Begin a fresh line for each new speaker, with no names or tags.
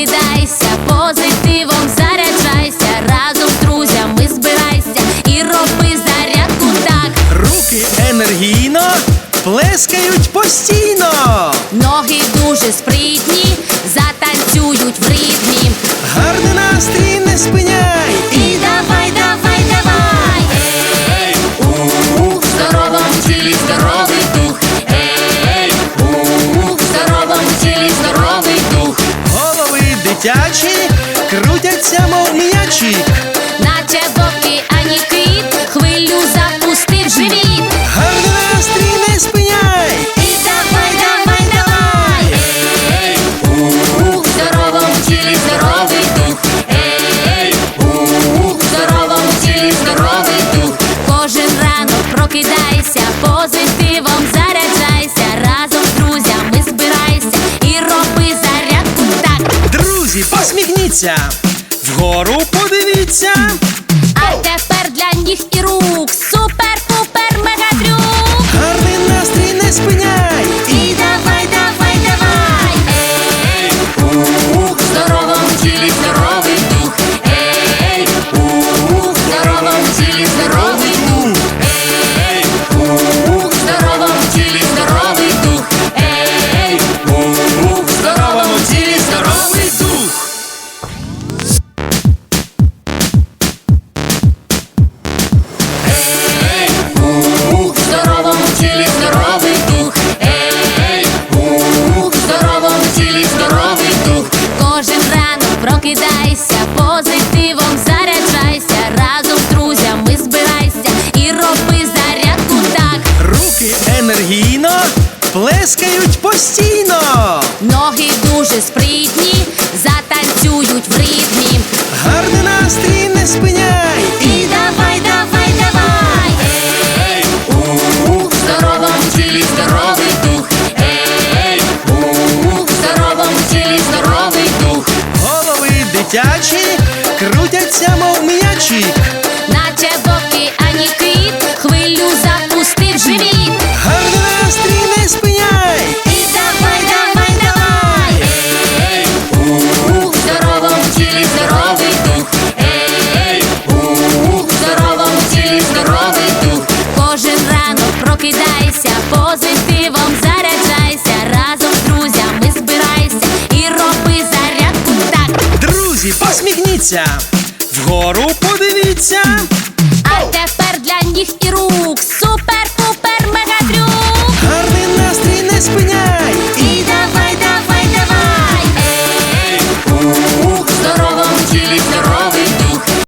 прокидайся, позитивом заряджайся, разом з друзями збирайся і роби зарядку так.
Руки енергійно плескають постійно.
Ноги дуже спритні, затанцюють в ритмі.
Гарний настрій не спиняй.
І давай, давай, давай. Ей, в здоровому тілі здоровий дух. Ей, в здоровому тілі здоровий дух.
Голови дитячі крутяться, мов м'ячі.
Наче вовки, ані кит, хвилю запустив живіт.
Гарний настрій не спиняй.
І давай, давай, давай. Ей, в здоровому тілі здоровий дух. Ей, в здоровому тілі здоровий дух. Кожен ранок прокидайся, позитивом заряджайся, разом з друзями збирайся і роби зарядку так.
Друзі, посміхніться, вгору подивіться.
А тепер для ніг і рук супер-пупер мегатрюк.
Гарний настрій не спиняй.
І давай, давай, давай. Ей, в здоровому тілі здоровий дух. Ей, в здоровому тілі здоровий дух. Ей, в здоровому тілі здоровий дух. Ей, в здоровому тілі здоровий дух. Ей, в здоровому тілі здоровий дух. Ей, в здоровому тілі здоровий дух. Кожен ранок прокидайся, позитивом заряджайся, разом з друзями збирайся і роби зарядку так.
Руки енергійно плескають постійно.
Ноги дуже спритні, затанцюють в ритмі.
Гарний настрій не спиняй.
І давай, давай, давай. Ей, в здоровому тілі здоровий дух. Ей, в здоровому тілі здоровий дух.
Голови дитячі крутяться, мов м'ячі.
Наче вовки, ані кит, хвилю запустив живіт.
Гарний настрій не спиняй.
І давай, давай, давай. Ей, в здоровому тілі здоровий дух. Ей, в здоровому тілі здоровий дух. Кожен ранок прокидайся, позитивом заряджайся, разом з друзями збирайся і роби зарядку так.
Друзі, посміхніться, вгору подивіться.
А тепер для ніг і рук